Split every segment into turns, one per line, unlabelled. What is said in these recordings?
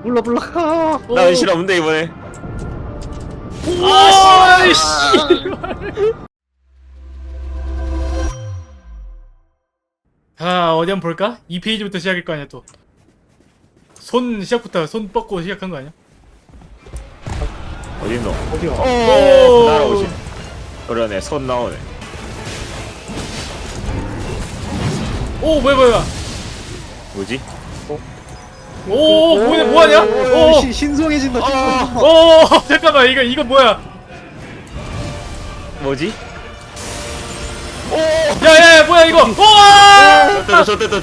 몰라.
나 은실 없는데 이번에.
아씨. 자 어디 한번 볼까? 2페이지부터 시작일 거 아니야 또. 손 시작부터 손 뻗고 시작한 거 아니야?
어딨노?
어디야?
오.
날아오지. 그러네, 손 나오네.
오 뭐야.
뭐지?
오 뭐하냐? 오.
신성해진다.
오 잠깐만 이거 뭐야?
뭐지?
야야 뭐야 이거? 우와!
좋됐다.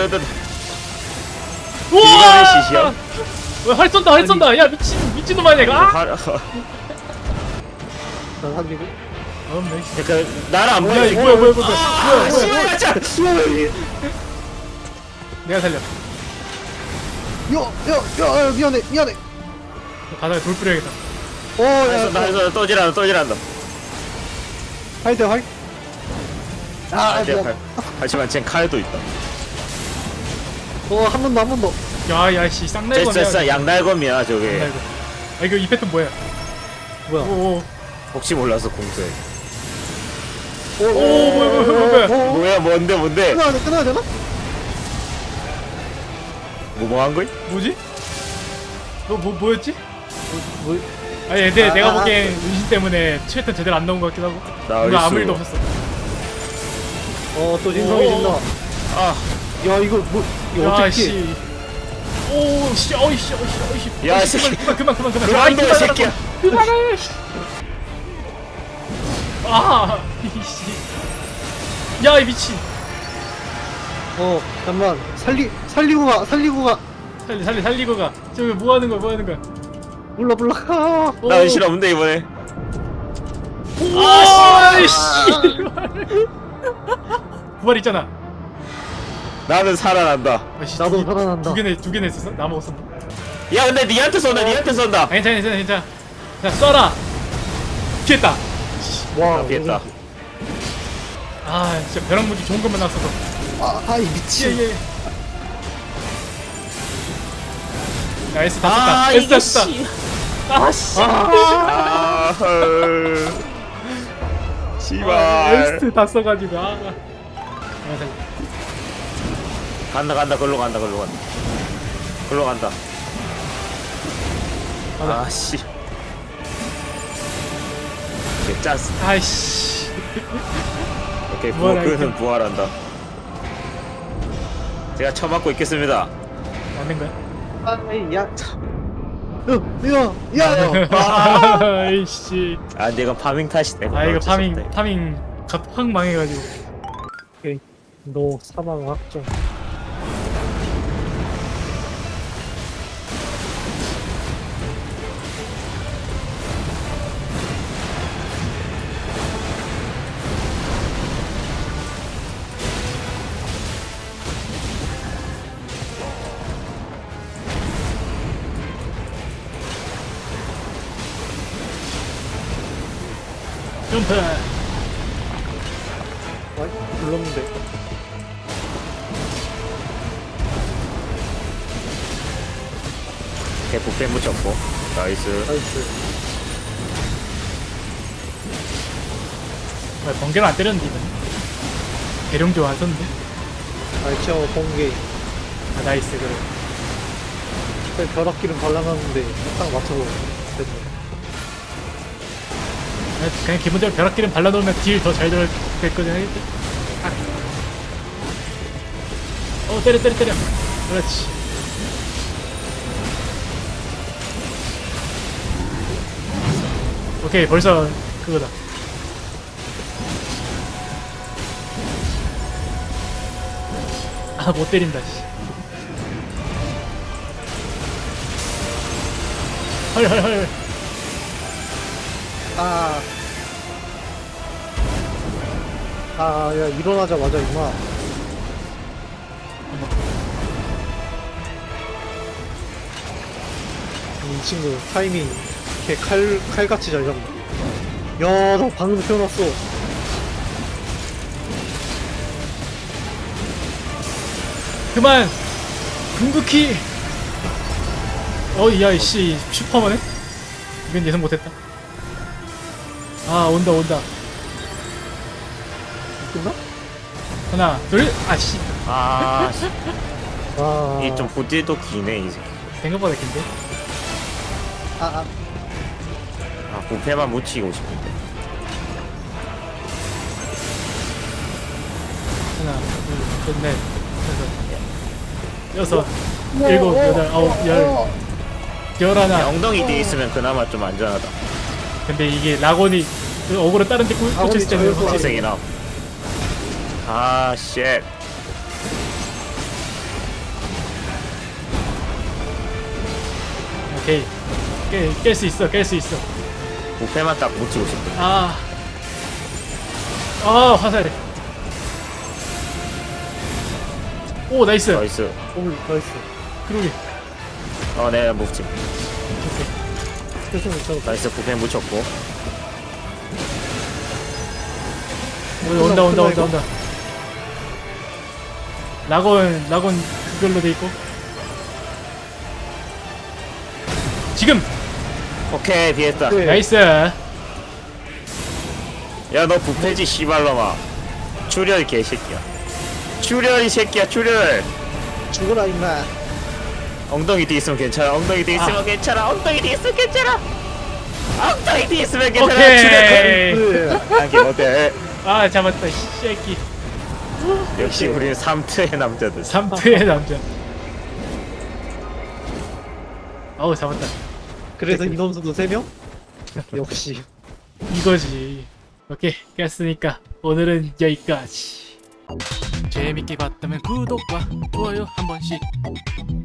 우와!
이거는 시시야?
활 쏜다. 야 미친놈 아니야 이거? 아!
나 살리고.
약간 나를 안
야
보여.
이거 뭐야?
씨발.
내가 살려.
야, 미안해.
바닥에 돌 뿌려야겠다.
나 또 지란다.
화이트.
하지만 쟨 칼도 있다.
한 번 더.
야씨 쌍날검이야.
됐어, 양날검이야 저게.
쌍날검. 아 이거 이 패턴 뭐야?
뭐야?
오
혹시 몰라서 공수해.
뭐야?
뭐야, 뭔데?
끊어야 되나?
뭐한 거야?
뭐지? 너 뭐였지?
뭐?
아니 내가 보기엔 은신 때문에 패턴 제대로 안 나온 것 같기도 하고. 뭔가 아무 일도 없었어.
또 신성해진다.
아,
야, 이거 어떻게?
야씨. 오씨 어이씨.
야, 이 새끼.
그만.
그만 둬, 이 새끼야.
그만해. 아 이씨. 야 이 미친.
잠깐만. 살리고 가.
살리고 가. 저기 뭐 하는 거야?
몰라.
나 은실 없는데 이번에.
아씨. 부활 있잖아.
나는 살아난다.
아씨,
나도 살아난다.
두 개나 있었어? 나 먹었었나?
야, 근데 니한테 쏜다.
아, 괜찮아. 자 쏴라. 피했다.
와,
피했다.
아 진짜 벼락무기 좋은 것만 나왔어서.
이 미친.
예. 야 S 다 썼다. S 다 썼다. 아씨.
헐. 씨발.
S 다 써가지고
간다. 걸로 간다.
가자.
씨. 짠스.
아이씨.
오케이,
부활할게.
그는 부활한다. 제가 처맞고 있겠습니다.
안된 거야?
야, 참. 야.
아이씨.
아, 근데 이건 파밍 탓이네.
이거
어쩔 수 없다.
파밍 확 망해가지고.
오케이. 너 사망 확정.
점프.
불렀는데.
부패 묻혔고. 나이스.
번개를 안 때렸는데 이번. 대룡조 안 썼는데.
알치어 번개.
나이스 그래.
벼락기름 발라놨는데 딱 맞춰서 됐네.
그냥 기본적으로 벼락기름 발라놓으면 딜 더 잘 됐거든. 때려. 그렇지. 오케이 벌써 그거다. 못 때린다 씨. 헐.
야, 일어나자마자 임마. 이 친구 타이밍 걔 칼같이 잘 잡네. 야, 나 방금 태어났어.
그만. 궁극기. 야이씨 슈퍼만해? 이건 예상 못했다. 아 온다.
끝나?
하나 둘 아씨
아, 씨.
와.
이게 좀 보디도 기네 이 새끼.
생각보다 긴데.
아.
아, 부패만 묻히고 싶은데.
하나 둘셋넷 다섯 여섯 일곱 여덟 아홉 열 열하나.
엉덩이 뒤에 있으면 그나마 좀 안전하다.
근데 이게 라곤이 그 어그로 다른 데 꽂혔을 때는
저기
확실히
희생이나. 아, 쉣.
오케이 깰 수 있어.
부패만 딱 묻히고 싶은데.
아 화살해. 오 나이스.
나이스.
오, 나이스.
그러게.
네, 묻힘.
계속 못 잡았다.
나이스, 부패 묻혔고.
온다. 라곤 그걸로 돼 있고. 지금
오케이, 비했다.
네.
나이스.
야, 너 부패지, 씨발놈아. 출혈, 개새끼야. 출혈, 이 새끼야, 출혈.
죽어라, 임마.
엉덩이 뒤에 있으면 괜찮아. 엉덩이 뒤에 있으면 괜찮아. 엉덩이 뒤에 있으면 괜찮아. 엉덩이 뒤에 있으면 괜찮아.
오케이.
출혈. 하긴 어때?
아 잡았다 이 새끼.
역시 우리는 3트의 남자들.
3트의 남자. 아우 잡았다.
그래서 인원수도 3명? 역시.
이거지. 오케이 깼으니까 오늘은 여기까지. 재밌게 봤다면 구독과 좋아요 한 번씩